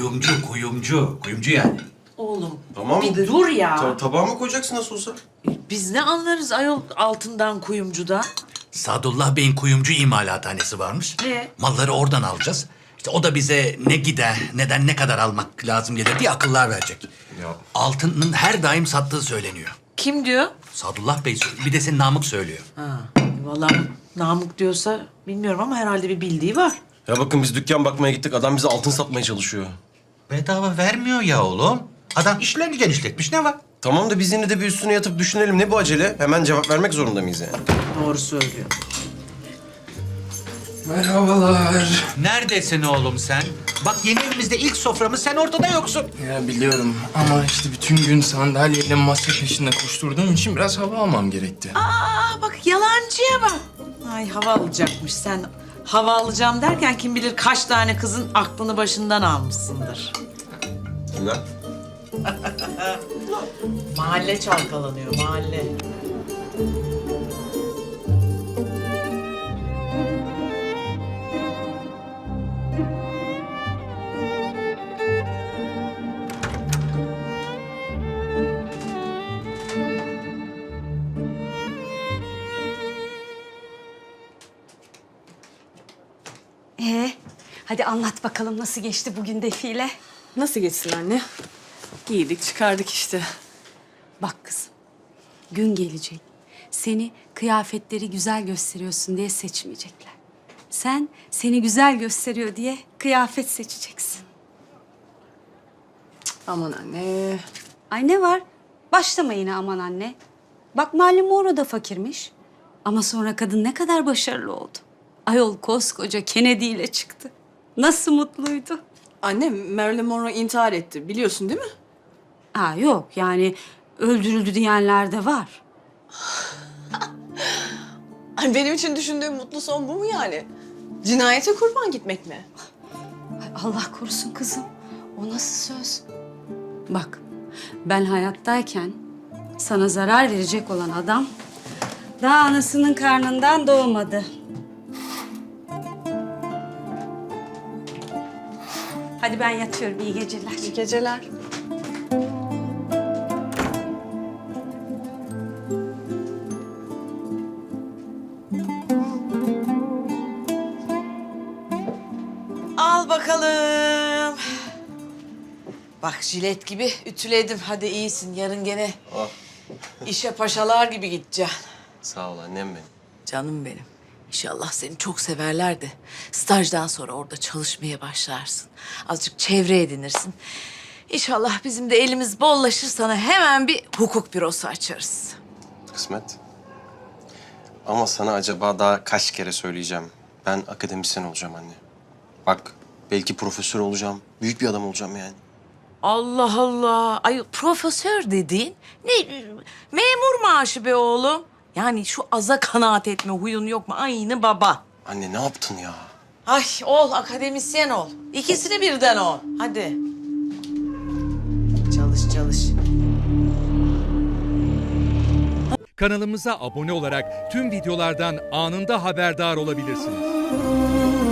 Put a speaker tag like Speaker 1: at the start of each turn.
Speaker 1: Kuyumcu yani.
Speaker 2: Oğlum
Speaker 3: Tamam
Speaker 2: bir
Speaker 3: de.
Speaker 2: dur ya.
Speaker 3: Tabağa mı koyacaksın nasıl olsa?
Speaker 2: Biz ne anlarız ayol altından kuyumcuda?
Speaker 1: Sadullah Bey'in kuyumcu imalathanesi varmış. Malları oradan alacağız. İşte o da bize ne gider, neden ne kadar almak lazım gelir diye akıllar verecek.
Speaker 3: Ya.
Speaker 1: Altının her daim sattığı söyleniyor.
Speaker 2: Kim diyor?
Speaker 1: Sadullah Bey bir de senin Namık söylüyor.
Speaker 2: Ha, vallahi Namık diyorsa bilmiyorum ama herhalde bir bildiği var.
Speaker 3: Ya bakın biz dükkan bakmaya gittik. Adam bize altın satmaya çalışıyor.
Speaker 1: Bedava vermiyor ya oğlum. Adam işlerini genişletmiş, ne var?
Speaker 3: Tamam da biz yine de bir üstüne yatıp düşünelim. Ne bu acele? Hemen cevap vermek zorunda mıyız yani?
Speaker 2: Doğru söylüyor.
Speaker 4: Merhabalar.
Speaker 1: Neredesin oğlum sen? Bak yeni evimizde ilk soframız, sen ortada yoksun.
Speaker 4: Ya biliyorum ama işte bütün gün sandalyeyle masa peşinde koşturduğum için biraz hava almam gerekti.
Speaker 2: Aa bak yalancıya bak. Ay hava alacakmış sen. Hava alacağım derken kim bilir kaç tane kızın aklını başından almışsındır.
Speaker 3: Kimler?
Speaker 2: Mahalle çalkalanıyor, mahalle.
Speaker 5: Hadi anlat bakalım nasıl geçti bugün defile?
Speaker 6: Nasıl geçsin anne? Giydik çıkardık işte.
Speaker 5: Bak kızım, gün gelecek. Seni kıyafetleri güzel gösteriyorsun diye seçmeyecekler. Sen seni güzel gösteriyor diye kıyafet seçeceksin.
Speaker 6: Aman anne.
Speaker 5: Ay ne var? Başlama yine aman anne. Bak Marilyn Monroe da fakirmiş. Ama sonra kadın ne kadar başarılı oldu. Ayol koskoca Kennedy ile çıktı. Nasıl mutluydu.
Speaker 6: Anne Marilyn Monroe intihar etti biliyorsun değil mi?
Speaker 5: Ha yok yani öldürüldü diyenler de var.
Speaker 6: Ay, benim için düşündüğüm mutlu son bu mu yani? Cinayete kurban gitmek mi?
Speaker 5: Ay Allah korusun kızım. O nasıl söz? Bak ben hayattayken sana zarar verecek olan adam daha anasının karnından doğmadı. Hadi ben yatıyorum. İyi geceler.
Speaker 6: İyi geceler.
Speaker 2: Al bakalım. Bak jilet gibi ütüledim. Hadi iyisin. Yarın gene
Speaker 3: Ah.
Speaker 2: işe paşalar gibi gideceksin.
Speaker 3: Sağ ol annem benim.
Speaker 2: Canım benim. İnşallah seni çok severler de stajdan sonra orada çalışmaya başlarsın. Azıcık çevre edinirsin. İnşallah bizim de elimiz bollaşır, sana hemen bir hukuk bürosu açarız.
Speaker 3: Kısmet. Ama sana acaba daha kaç kere söyleyeceğim. Ben akademisyen olacağım anne. Bak belki profesör olacağım. Büyük bir adam olacağım yani.
Speaker 2: Allah Allah. Ay profesör dediğin ne memur maaşı be oğlum. Yani şu aza kanaat etme huyun yok mu? Aynı baba.
Speaker 3: Anne ne yaptın ya?
Speaker 2: Ay ol, akademisyen ol. İkisini birden ol. Hadi. Çalış, çalış.
Speaker 7: Kanalımıza abone olarak tüm videolardan anında haberdar olabilirsiniz.